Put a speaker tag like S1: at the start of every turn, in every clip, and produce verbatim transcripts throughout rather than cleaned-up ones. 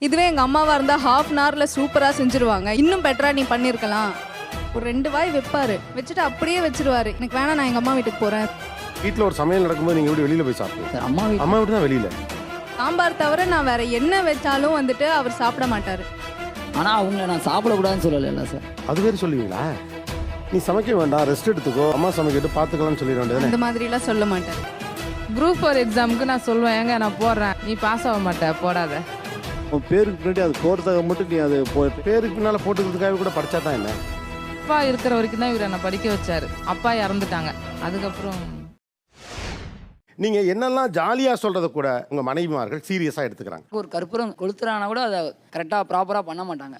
S1: இதுவே எங்கள் அம்மாவாக இருந்தால் ஹாஃப் அன் ஹவரில் சூப்பராக செஞ்சுருவாங்க. இன்னும் பெட்டராக நீ பண்ணியிருக்கலாம். ஒரு ரெண்டு வாய் வைப்பார், வச்சுட்டு அப்படியே வச்சிருவாரு. எனக்கு வேணாம், நான் எங்கள் அம்மா வீட்டுக்கு போகிறேன்.
S2: வீட்டில் ஒரு சமையல் நடக்கும்போது நீங்கள் எப்படி வெளியில் போய் சாப்பிடுவீங்க?
S3: அம்மா வீட்டு
S2: அம்மா வீட்டு தான் வெளியில்.
S1: சாம்பார் தவிர நான் வேற என்ன வச்சாலும் வந்துட்டு அவர் சாப்பிட மாட்டார்.
S3: ஆனால் அவங்கள நான் சாப்பிடக்கூடாதுன்னு சொல்லலை சார்.
S2: அது வேறு சொல்லுவீங்களா? நீ சமைக்க வேண்டாம், ரெஸ்ட் எடுத்துக்கோ, அம்மா சமைக்கிட்டு பார்த்துக்கலாம்னு சொல்லிட வேண்டியது.
S1: அந்த மாதிரிலாம் சொல்ல மாட்டேன்.
S4: குரூப் ஃபோர் எக்ஸாமுக்கு நான் சொல்லுவேன், ஏங்க நான் போடுறேன், நீ பாஸ் ஆக மாட்டேன், போடாத.
S5: உன் பேருக்கு பின்னாடி அது கோர்த்தாக மட்டும் நீ அது போ
S2: பேருக்கு பின்னால் போட்டுக்கிறதுக்காக கூட படித்தா தான் என்ன?
S4: அப்பா இருக்கிற வரைக்கும் தான் இவரை நான் படிக்க வச்சாரு. அப்பா இறந்துட்டாங்க. அதுக்கப்புறம்
S2: நீங்கள் என்னெல்லாம் ஜாலியாக சொல்கிறத கூட உங்கள் மனைவிமார்கள் சீரியஸாக எடுத்துக்கிறாங்க.
S3: ஒரு கற்பூரம் கொளுத்துறானா கூட அதை கரெக்டாக ப்ராப்பராக பண்ண மாட்டாங்க.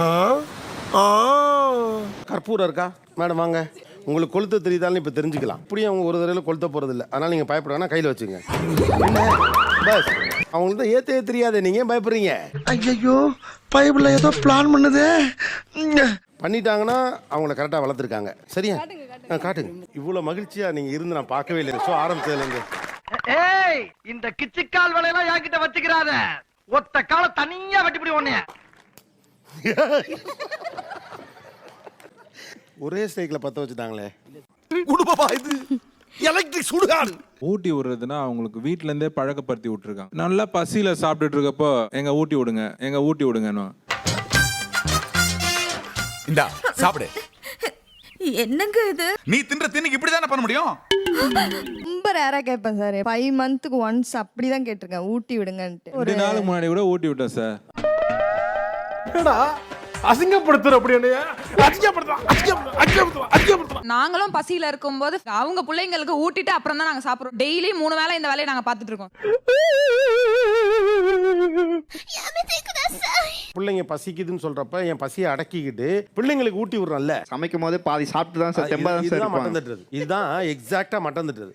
S2: கற்பூரம் இருக்கா மேடம்? வாங்க, உங்களுக்கு கொளுத்த தெரியுதான்னு இப்போ தெரிஞ்சுக்கலாம். அப்படியே அவங்க ஒரு தடவை கொளுத்த போகிறது இல்லை. அதனால் நீங்கள் பயப்படுறாங்கன்னா கையில் வச்சுங்க. என்ன பஸ் அவங்களுக்கு தான் ஏற்ற தெரியாது, நீங்கள் ஏன் பயப்படுறீங்க?
S6: ஐயோ, பைபிள்ல ஏதோ பிளான் பண்ணுது.
S2: பண்ணிட்டாங்கன்னா அவங்கள கரெக்டாக வளர்த்துருக்காங்க. சரியா? காட்டுங்க. இவ்வளோ மகிழ்ச்சியாக நீங்கள் இருந்து நான் பார்க்கவே இல்லை. ஷோ ஆரம்பிச்சதுலேருந்து.
S7: ஏய், இந்த கிச்சிக்கால் வேலையெல்லாம் என்கிட்ட வச்சுக்கிறாத. ஒத்த கால தனியா வெட்டிப்படி ஒண்ணே.
S2: ஒரே ஸ்டேக்கில் பற்ற வச்சுட்டாங்களே.
S6: குடுப்பா இது எலக்ட்ரிக் சுடுகாடு.
S8: ஊட்டி விடுறதுன்னா அவங்களுக்கு வீட்ல இருந்தே பழக்கப்படுத்தி விட்டுருக்காங்க. நல்லா பசியில சாப்பிட்டுட்டு இருக்கப்போ எங்க ஊட்டி விடுங்க, எங்க ஊட்டி விடுங்கன்னு.
S9: இந்தா சாப்பிடு.
S10: என்னங்க இது?
S9: நீ தின்ற தின்னுக்கு இப்படிதானே பண்ண முடியும்?
S10: ரொம்ப ரேரா கேட்பேன் சார். ஃபைவ் மந்த்துக்கு ஒன்ஸ் அப்படிதான் கேட்டிருக்கேன், ஊட்டி விடுங்கன்ட்டு.
S8: ரெண்டு நாளுக்கு முன்னாடி கூட ஊட்டி விட்டேன் சார்.
S5: அசிங்கப்படுத்துற அப்படி
S4: நாங்களும் பசியில இருக்கும்போது அவங்க பிள்ளைங்களுக்கு ஊட்டிட்டு அப்புறம் தான் நாங்க சாப்பிடுறோம். டெய்லி மூணு வேளை இந்த வேலையை நாங்க பார்த்துட்டு இருக்கோம்.
S2: பிள்ளைங்க பசிக்குதுன்னு சொல்றப்ப என் பசியை அடக்கிக்கிட்டு பிள்ளைங்களுக்கு ஊட்டி விடுறோம்ல.
S5: சமைக்கும் போது பாதி சாப்பிட்டு தான் சார் தெம்பா தான் சார்
S2: இதுதான் மட்டன் தட்டுறது. இதுதான் எக்ஸாக்டா மட்டன் தட்டுறது.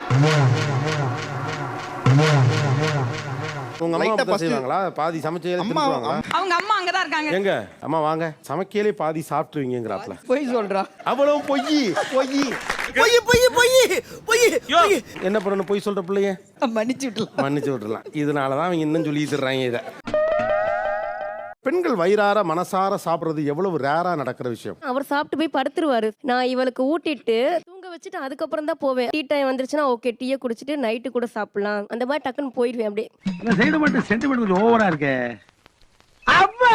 S2: உங்க அம்மா அப்படி செய்வாங்களா? பாதி சமைச்சே தின்னுவாங்களா?
S4: அவங்க அம்மா அங்கதான் இருக்காங்க.
S2: எங்க அம்மா வாங்க, சமைக்கலே பாதி சாப்பிட்டுருவீங்கங்கறாப்ல.
S3: போய் சொல்றா.
S2: அவ்வளவு பொய் பொய்
S6: பொய் பொய் பொய் பொய்.
S2: என்ன பண்ணணும்? பொய் சொல்ற பிள்ளைய
S3: மன்னிச்சு விட்டுலாம்.
S2: மன்னிச்சு விட்டுறலாம். இதனாலதான் அவங்க இன்னும் சொல்லி தர்றாங்க இதை. பெண்கள் வயிறார மனசார சாப்பிடுறது எவ்வளவு ரேரா நடக்கிற விஷயம்.
S10: அவர் சாப்பிட்டு போய் படுத்துருவாரு. நான் இவளுக்கு ஊட்டிட்டு தூங்க வச்சுட்டு அதுக்கப்புறம் தான் போவேன். டீ டைம் வந்துருச்சுன்னா ஓகே, டீயை குடிச்சிட்டு நைட்டு கூட சாப்பிடலாம், அந்த மாதிரி டக்குன்னு போயிடுவேன். அப்படியே
S7: இந்த சைடு மட்டும் சென்டிமெண்ட் ஓவரா இருக்கே. அம்மா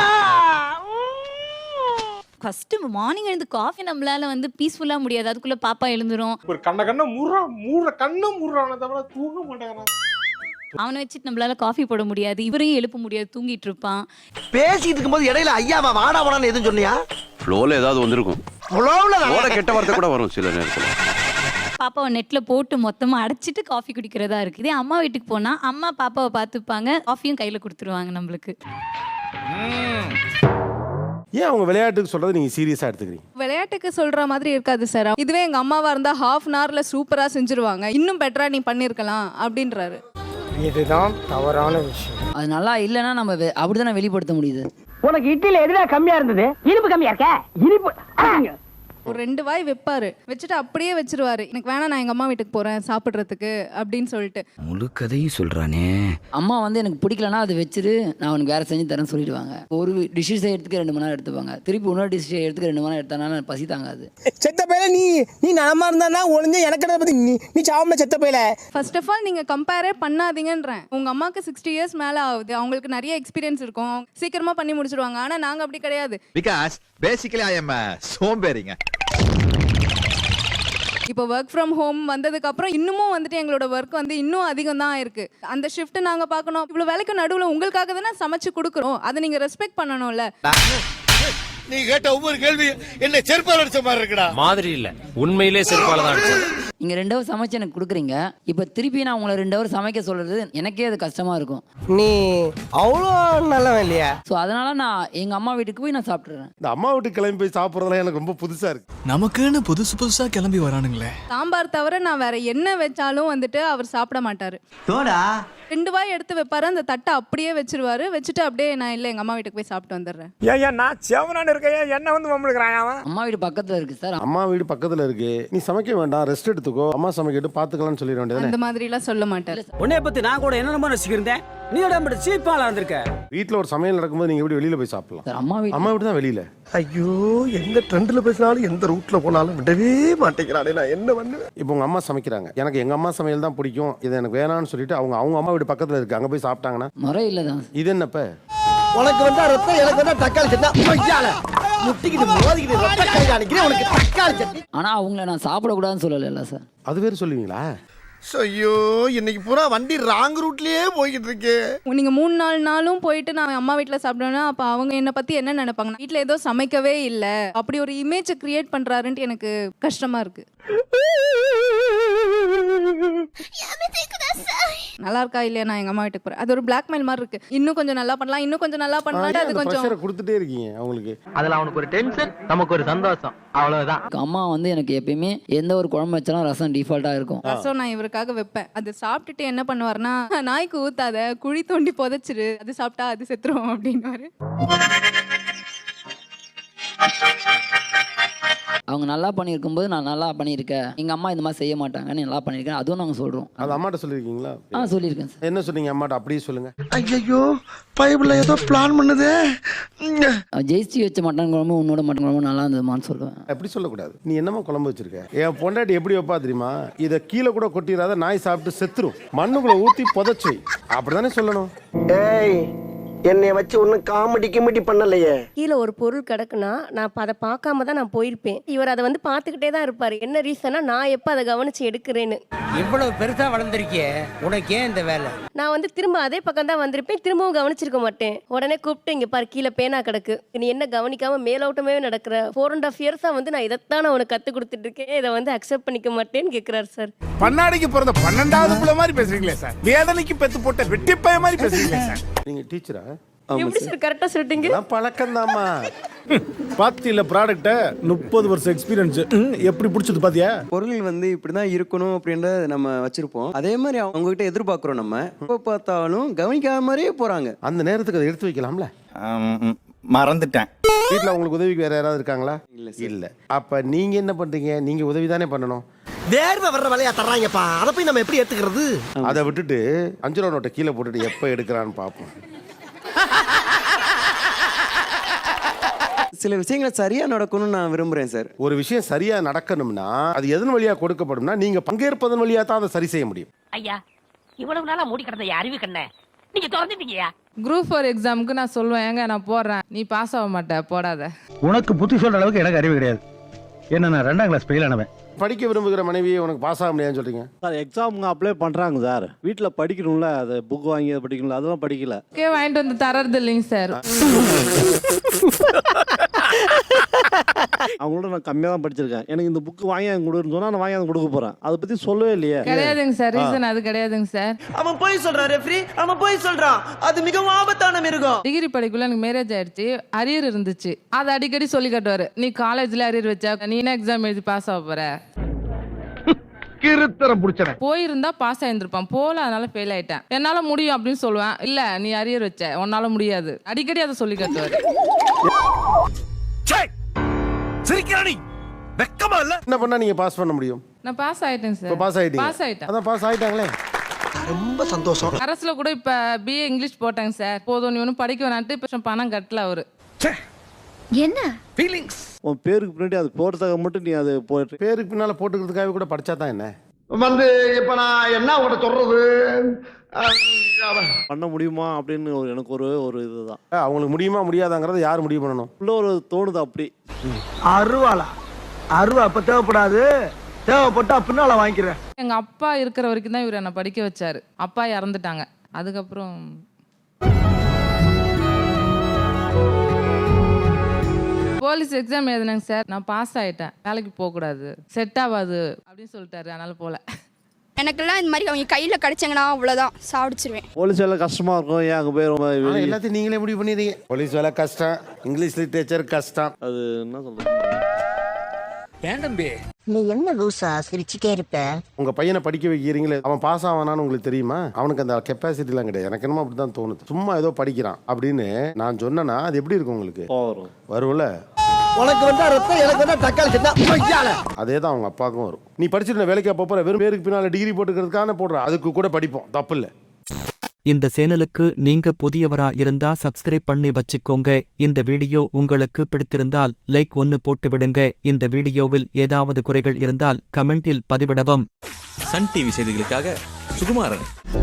S10: ஃபர்ஸ்ட் மார்னிங் எழுந்து காஃபி நம்மளால வந்து பீஸ்ஃபுல்லா முடியாது. அதுக்குள்ள பாப்பா எழுந்துரும்.
S5: ஒரு கண்ண கண்ண மூறா மூற கண்ண மூறான தவிர தூங்க மாட்டாங்க.
S10: அவனை வச்சுட்டு நம்மளால காஃபி போட முடியாது, இவரையும் எழுப்ப முடியாது, தூங்கிட்டு இருப்பான்.
S6: பேசிட்டு இருக்கும்போது இடையில ஐயாவா வாடா வாடான்னு எதுவும் சொன்னியா?
S11: ஃப்ளோல ஏதாவது வந்திருக்கும்.
S6: ஃப்ளோல
S11: கெட்ட வார்த்தை கூட வரும் சில நேரத்தில்.
S10: பாப்பாவை நெட்ல போட்டு மொத்தமா அடைச்சிட்டு காஃபி குடிக்கிறதா இருக்கு. இதே அம்மா வீட்டுக்கு போனா அம்மா பாப்பாவை பார்த்துப்பாங்க, காஃபியும் கையில கொடுத்துருவாங்க நம்மளுக்கு.
S2: ஏன் அவங்க விளையாட்டுக்கு சொல்றது நீங்க சீரியஸா எடுத்துக்கிறீங்க?
S1: விளையாட்டுக்கு சொல்ற மாதிரி இருக்காது சார். இதுவே எங்கள் அம்மாவாக இருந்தால் ஹாஃப் அன் ஹவரில் சூப்பராக செஞ்சுருவாங்க. இன்னும் பெட்டராக நீ பண்ணியிருக்கலாம் அப்படின்றாரு.
S7: இதுதான் தவறான விஷயம்.
S3: அது நல்லா இல்லைன்னா நம்ம வெ- அப்படிதானே வெளிப்படுத்த முடியுது.
S7: உனக்கு இட்லில எதுல கம்மியா இருந்தது? இனிப்பு கம்மியா இருக்க? இனிப்பு
S1: ஒரு ரெண்டு வாய் வைப்பாரு, வச்சுட்டு அப்படியே வச்சிருவாரு. எனக்கு வேணாம், நான் எங்கள் அம்மா வீட்டுக்கு போகிறேன் சாப்பிட்றதுக்கு அப்படின்னு சொல்லிட்டு.
S11: முழு கதையும் சொல்றானே.
S3: அம்மா வந்து எனக்கு பிடிக்கலன்னா அதை வச்சுட்டு நான் அவனுக்கு வேற செஞ்சு தரேன்னு சொல்லிடுவாங்க. ஒரு டிஷ்ஷை எடுத்துக்க ரெண்டு மணி நேரம் எடுத்துப்பாங்க. திருப்பி இன்னொரு டிஷ்ஷை எடுத்துக்க ரெண்டு மணி நேரம் எடுத்தானா பசி தாங்காது.
S7: செத்த பையல நீ நீ நலமா இருந்தா ஒளிஞ்ச எனக்கு பத்தி நீ நீ சாவமே செத்த பையல.
S1: ஃபர்ஸ்ட் ஆஃப் ஆல் நீங்கள் கம்பேரே பண்ணாதீங்கன்றேன். உங்கள் அம்மாவுக்கு சிக்ஸ்டி இயர்ஸ் மேலே ஆகுது, அவங்களுக்கு நிறைய எக்ஸ்பீரியன்ஸ் இருக்கும், சீக்கிரமாக பண்ணி முடிச்சிருவாங்க. ஆனால் நாங்கள் அப்படி கிடையாது.
S9: பிகாஸ் பேசிக்கலி ஐ அம் சோம்பேறிங்க.
S1: இப்போ ஒர்க் ஃப்ரம் ஹோம் வந்ததுக்கு அப்புறம் இன்னமும் வந்துட்டு எங்களோட ஒர்க் வந்து இன்னும் அதிகம் தான் இருக்கு. அந்த ஷிஃப்ட் நாங்க பார்க்கணும். இவ்வளோ வேலைக்கு நடுவில் உங்களுக்காக தானே சமைச்சு கொடுக்குறோம், அதை நீங்க ரெஸ்பெக்ட் பண்ணணும்ல.
S6: நீ கேட்ட ஒவ்வொரு கேள்வி என்ன செருப்பால் அடிச்ச மாதிரி இருக்குடா.
S11: மாதிரி இல்ல, உண்மையிலே செருப்பால தான் அடிச்சது.
S3: நீங்க ரெண்டு ஹவர் சமைச்சு எனக்கு கொடுக்குறீங்க, இப்போ திருப்பி நான் உங்களை ரெண்டு ஹவர் சமைக்க சொல்றது எனக்கே அது கஷ்டமா இருக்கும்.
S7: நீ அவ்வளோ நல்லவன் இல்லையா?
S3: ஸோ அதனால நான் எங்க அம்மா வீட்டுக்கு போய் நான் சாப்பிட்றேன்.
S2: இந்த அம்மா வீட்டுக்கு கிளம்பி போய் சாப்பிட்றதுலாம் எனக்கு ரொம்ப புதுசா இருக்கு.
S6: நமக்குன்னு புதுசு புதுசா கிளம்பி வரானுங்களே.
S1: சாம்பார் தவிர நான் வேற என்ன வச்சாலும் வந்துட்டு அவர் சாப்பிட மாட்டாரு.
S7: தோடா
S1: ரெண்டு வாய் எடுத்து வைப்பாரு, அந்த தட்டை அப்படியே வச்சிருவாரு. வச்சுட்டு அப்படியே நான் இல்லை எங்க அம்மா வீட்டுக்கு போய் சாப்பிட்டு வந்துடுறேன்.
S7: ஏன் ஏன் நான் செவனான்னு இருக்கேன், என்ன வந்து மம்மளுக்குறான் அவன்?
S3: அம்மா வீடு பக்கத்துல இருக்கு சார்.
S2: அம்மா வீடு பக்கத்துல இருக்கு, நீ சமைக்க வேண்டாம், ரெஸ்ட் எடுத்துக்கோ, அம்மா சமைக்கிட்டு பார்த்துக்கலாம்னு சொல்லிட வேண்டியது.
S1: அந்த மாதிரிலாம் சொல்ல மாட்டாரு.
S7: உன்னைய பத்தி நான் கூட என்ன நம்ப நினைச்சிருந்தேன். நீ உடம்பு சீப்பாலா இருந்திருக்க.
S2: வீட்டில் ஒரு சமையல் நடக்கும்போது நீங்கள் எப்படி வெளியில் போய் சாப்பிடலாம்?
S3: சார் அம்மா வீட்டு
S2: அம்மா வீட்டு தான் வெளியில்.
S6: ஐயோ எந்த ட்ரெண்ட்ல பேசினாலும் எந்த ரூட்ல போனாலும் விடவே மாட்டேங்கிறானே, நான் என்ன பண்ணுவேன்?
S2: இப்போ உங்கள் அம்மா சமைக்கிறாங்க, எனக்கு எங்கள் அம்மா சமையல் தான் பிடிக்கும், இது எனக்கு வேணான்னு சொல்லிட்டு அவங்க அவங்க அம்மா வீடு பக்கத்தில் இருக்குது, அங்கே போய் சாப்பிட்டாங்கன்னா
S3: முறை இல்லை தான்.
S2: இது என்னப்ப?
S6: உனக்கு வந்தா ரத்தம், எனக்கு வந்தா தக்காளி சட்னி. ஐயால முட்டிக்கிட்டு மோதிக்கிட்டு ரத்த கையில அடிக்கிறேன் உனக்கு தக்காளி சட்னி.
S3: ஆனால் அவங்கள நான் சாப்பிடக்கூடாதுன்னு சொல்லலைல்ல சார்.
S2: அது வேறு சொல்லுவீங்களா?
S6: ஐயோ இன்னைக்கு பூரா வண்டி ராங் ரூட்லயே போய்கிட்டு இருக்கு.
S1: நீங்க மூணு நாலு நாளும் போயிட்டு நான் அம்மா வீட்ல சாப்பிடுவேன்னா அப்ப அவங்க என்ன பத்தி என்ன நினைப்பாங்க? வீட்ல ஏதோ சமைக்கவே இல்ல அப்படி ஒரு இமேஜ் கிரியேட் பண்றாருன்ட்டு எனக்கு கஷ்டமா இருக்கு. நல்லா இருக்கா இல்லையா நான் எங்க அம்மா வீட்டுக்கு போறேன், அது ஒரு பிளாக்மெயில் மாதிரி இருக்கு. இன்னும் கொஞ்சம் நல்லா பண்ணலாம், இன்னும் கொஞ்சம் நல்லா பண்ணலாம், அது கொஞ்சம்
S2: ப்ரெஷரை கொடுத்துட்டே இருக்கீங்க அவங்களுக்கு.
S7: அதுல அவனுக்கு ஒரு டென்ஷன், நமக்கு ஒரு சந்தோஷம், அவ்வளவுதான்.
S3: அம்மா வந்து எனக்கு எப்பயுமே எந்த ஒரு குழம்பு வச்சாலும் ரசம் டிஃபால்ட்டாக இருக்கும்.
S1: ரசம் நான் இவருக்காக வைப்பேன். அது சாப்பிட்டுட்டு என்ன பண்ணுவாருன்னா, நாய்க்கு ஊத்தாத குழி தோண்டி புதைச்சிரு, அது சாப்பிட்டா அது செத்துரும் அப்படின்னுவாரு.
S3: அவங்க நல்லா பண்ணியிருக்கும்போது நான் நல்லா பண்ணியிருக்கேன், எங்கள் அம்மா இந்த மாதிரி செய்ய மாட்டாங்கன்னு நல்லா பண்ணியிருக்கேன், அதுவும் நாங்கள் சொல்கிறோம்.
S2: அது அம்மாட்ட சொல்லியிருக்கீங்களா?
S3: ஆ சொல்லியிருக்கேன் சார்.
S2: என்ன சொன்னீங்க அம்மாட்ட? அப்படியே சொல்லுங்க.
S6: ஐயோ பைபிள்ல ஏதோ பிளான் பண்ணுதே.
S3: ஜெயிச்சு வச்ச மட்டன் குழம்பு உன்னோட மட்டன் குழம்பு நல்லா இருந்ததுமான்னு சொல்லுவேன்.
S2: அப்படி சொல்லக்கூடாது. நீ என்னமா குழம்பு வச்சிருக்க? என் பொண்டாட்டி எப்படி வைப்பா தெரியுமா? இதை கீழே கூட கொட்டிடாத, நாய் சாப்பிட்டு செத்துரும், மண்ணுக்குள்ள ஊத்தி புதைச்சு, அப்படிதானே சொல்லணும்.
S6: ஏய் என்னை வச்சு ஒன்னும் காமெடி கிமெடி பண்ணலையே.
S10: கீழே ஒரு பொருள் கிடக்குன்னா நான் அப்ப அதை பார்க்காம தான் நான் போயிருப்பேன். இவர் அதை வந்து பார்த்துக்கிட்டே தான் இருப்பாரு. என்ன ரீசனா நான் எப்போ அதை கவனிச்சு எடுக்கிறேன்னு.
S7: இவ்வளவு பெருசா வளர்ந்துருக்கியே, உனக்கு ஏன் இந்த வேலை?
S10: நான் வந்து திரும்ப அதே பக்கம் தான் வந்திருப்பேன், திரும்பவும் கவனிச்சிருக்க மாட்டேன். உடனே கூப்பிட்டு இங்க பாரு கீழே பேனா கிடக்கு, நீ என்ன கவனிக்காம மேலோட்டமே நடக்கிற, ஃபோர் அண்ட் ஆஃப் இயர்ஸா வந்து நான் இதைத்தான் நான் உனக்கு கத்து கொடுத்துட்டு இருக்கேன், இதை வந்து அக்செப்ட் பண்ணிக்க மாட்டேன்னு கேட்கிறாரு சார்.
S9: பண்ணாடிக்கு பிறந்த பன்னெண்டாவது புள்ள மாதிரி பேசுறீங்களே சார். வேதனைக்கு பெத்து போட்ட வெட்டி பைய மாதிரி பேசுறீங்களே சார்.
S2: நீங்க டீச்சரா?
S10: எப்படி சார் கரெக்டா சொல்லிட்டீங்க?
S2: பழக்கம் தாமா.
S5: பாத்தியில ப்ராடக்ட்ட முப்பது வருஷம் எக்ஸ்பீரியன்ஸ் எப்படி பிடிச்சது பாத்தியா?
S12: பொருள் வந்து இப்படிதான் இருக்கணும் அப்படின்றத நம்ம வச்சிருப்போம். அதே மாதிரி அவங்க கிட்ட எதிர்பார்க்கிறோம். நம்ம எப்ப பார்த்தாலும் கவனிக்காத மாதிரியே போறாங்க.
S2: அந்த நேரத்துக்கு அதை எடுத்து வைக்கலாம்ல.
S9: மறந்துட்டேன்.
S2: வீட்டில் உங்களுக்கு உதவிக்கு வேற யாராவது இருக்காங்களா? இல்ல இல்ல. அப்ப நீங்க என்ன பண்றீங்க? நீங்க உதவி தானே பண்ணணும்.
S6: வேர்வை வர்ற வேலையா தர்றாங்கப்பா, அதை போய் நம்ம எப்படி எடுத்துக்கிறது?
S2: அதை விட்டுட்டு அஞ்சு ரூபா நோட்டை கீழே போட்டுட்டு எப்ப எடுக்கிறான்னு பார்ப்போம்.
S12: சில விஷயங்கள் சரியா நடக்கணும்னு நான் விரும்புறேன் சார்.
S2: ஒரு விஷயம் சரியா நடக்கணும்னா அது எதன் வழியா கொடுக்கப்படும்னா நீங்க பங்கேற்பதன் வழியா தான் அதை சரி செய்ய முடியும்.
S7: ஐயா இவ்வளவு நாளா மூடி கிடந்த அறிவு கண்ண நீங்க திறந்துட்டீங்கயா.
S4: குரூப் ஃபோர் எக்ஸாமுக்கு நான் சொல்லுவேன், ஏங்க நான் போடுறேன், நீ பாஸ் ஆக மாட்டேன் போடாத.
S5: உனக்கு புத்தி சொல்ற அளவுக்கு எனக்கு அறிவு கிடையாது. என்ன நான் ரெண்டாம் கிளாஸ் ஃபெயில் ஆனவன்.
S2: படிக்க விரும்புகிற மனைவியை உனக்கு பாஸ் ஆக முடியாதுன்னு சொல்றீங்க
S5: சார். எக்ஸாமுங்க அப்ளை பண்றாங்க சார், வீட்டில் படிக்கணும்ல, அது புக் வாங்கி அதை படிக்கணும்ல, அதெல்லாம் படிக்கல.
S4: ஓகே வாங்கிட்டு வந்து தரது இல்லைங்க சார்.
S5: அவங்களோட நான் கம்மியாக தான் படிச்சிருக்கேன். எனக்கு இந்த புக்கு வாங்கி அவங்க கொடுன்னு சொன்னா நான் வாங்கி அவங்க கொடுக்க போறேன். அதை பத்தி சொல்லவே இல்லையே.
S4: கிடையாதுங்க சார், ரீசன் அது கிடையாதுங்க சார்.
S7: அவன் போய் சொல்றான் ரெஃப்ரி, அவன் போய் சொல்றான், அது மிகவும் ஆபத்தான மிருகம்.
S4: டிகிரி படிக்குள்ள எனக்கு மேரேஜ் ஆயிடுச்சு, அரியர் இருந்துச்சு, அதை அடிக்கடி சொல்லி காட்டுவாரு. நீ காலேஜ்ல அரியர் வச்சா நீ என்ன எக்ஸாம் எழுதி பாஸ் ஆக போற?
S7: கிருத்தரம் புடிச்சன.
S4: போயிருந்தா பாஸ் ஆயிருந்திருப்பான், போல அதனால ஃபெயில் ஆயிட்டேன். என்னால முடியும் அப்படின்னு சொல்லுவேன். இல்ல நீ அரியர் வச்ச, உன்னால முடியாது, அடிக்கடி அதை சொல்லி காட்டுவாரு.
S9: சிரிக்கிறானி வெக்கமா இல்ல?
S2: என்ன பண்ணா நீங்க பாஸ் பண்ண முடியும்?
S4: நான் பாஸ் ஆயிட்டேன் சார்.
S2: பாஸ் ஆயிட்டீங்க?
S4: பாஸ் ஆயிட்டேன்.
S2: அதான் பாஸ் ஆயிட்டாங்களே,
S6: ரொம்ப சந்தோஷம்.
S4: அரசுல கூட இப்ப பிஏ இங்கிலீஷ் போட்டாங்க சார். போதும் நீ ஒன்னும் படிக்க வேணான்ட்டு இப்ப பணம் கட்டல அவரு.
S10: என்ன
S9: ஃபீலிங்ஸ்
S5: உன் பேருக்கு பின்னாடி அது போடுறதுக்காக மட்டும் நீ அது போட்டு
S2: பேருக்கு பின்னால போட்டுக்கிறதுக்காக கூட படிச்சா தான் என்ன
S6: வந்து இப்ப நான் என்ன உங்கள்கிட்ட சொல்றது?
S5: பண்ண முடியுமா அப்படின்னு ஒரு எனக்கு ஒரு ஒரு இதுதான்.
S2: அவங்களுக்கு முடியுமா முடியாதாங்கிறத யார் முடிவு பண்ணணும்?
S5: உள்ள ஒரு தோணுது அப்படி.
S6: அருவாளா? அருவா அப்ப தேவைப்படாது, தேவைப்பட்டா பின்னால வாங்கிக்கிறேன்.
S4: எங்க அப்பா இருக்கிற வரைக்கும் தான் இவர் என்ன படிக்க வச்சாரு. அப்பா இறந்துட்டாங்க. அதுக்கப்புறம் போலீஸ் எக்ஸாம் எழுதினாங்க சார், நான் பாஸ் ஆயிட்டேன். வேலைக்கு போக கூடாது, செட் ஆகாது அப்படின்னு சொல்லிட்டாரு, அதனால போல.
S1: எனக்கெல்லாம் இந்த மாதிரி அவங்க கையில கிடைச்சாங்கன்னா அவ்வளவுதான் சாப்பிடுச்சிருவேன்.
S5: போலீஸ் வேலை கஷ்டமா இருக்கும், ஏன் அங்கே போய் ரொம்ப வெளியே-
S2: எல்லாத்தையும் நீங்களே முடிவு பண்ணிடுறீங்க. போலீஸ் வேலை கஷ்டம், இங்கிலீஷ் லிட்ரேச்சர் கஷ்டம்.
S5: அது என்ன சொல்றது?
S7: ஏன் தம்பி
S10: நீ என்ன லூசா சிரிச்சுட்டே இருப்ப?
S2: உங்க பையனை படிக்க வைக்கிறீங்களே, அவன் பாஸ் ஆவானான்னு உங்களுக்கு தெரியுமா? அவனுக்கு அந்த கெப்பாசிட்டிலாம் கிடையாது. எனக்கு என்னமோ அப்படிதான் தோணுது. சும்மா ஏதோ படிக்கிறான் அப்படின்னு நான் சொன்னேன்னா அது எப்படி இருக்கும் உங்களுக்கு?
S5: வரும்
S2: வரும்ல.
S6: உனக்கு வந்தா ரத்தம், எனக்கு வந்தா தக்காளி சட்னி. ஐயால
S2: அதே தான் அவங்க அப்பாவுக்கும் வரும். நீ படிச்சுட்டு வேலைக்கு போற வெறும் பேருக்கு பின்னால டிகிரி போட்டுக்கிறதுக்கான போடுற, அதுக்கு கூட படிப்போம், தப்பு இல்லை.
S13: இந்த சேனலுக்கு நீங்க புதியவரா இருந்தா சப்ஸ்கிரைப் பண்ணி வச்சுக்கோங்க. இந்த வீடியோ உங்களுக்கு பிடித்திருந்தால் லைக் ஒன்னு போட்டு விடுங்க. இந்த வீடியோவில் ஏதாவது குறைகள் இருந்தால் கமெண்டில் பதிவிடவும்.
S11: சன் டிவி செய்திகளுக்காக சுகுமாரன்.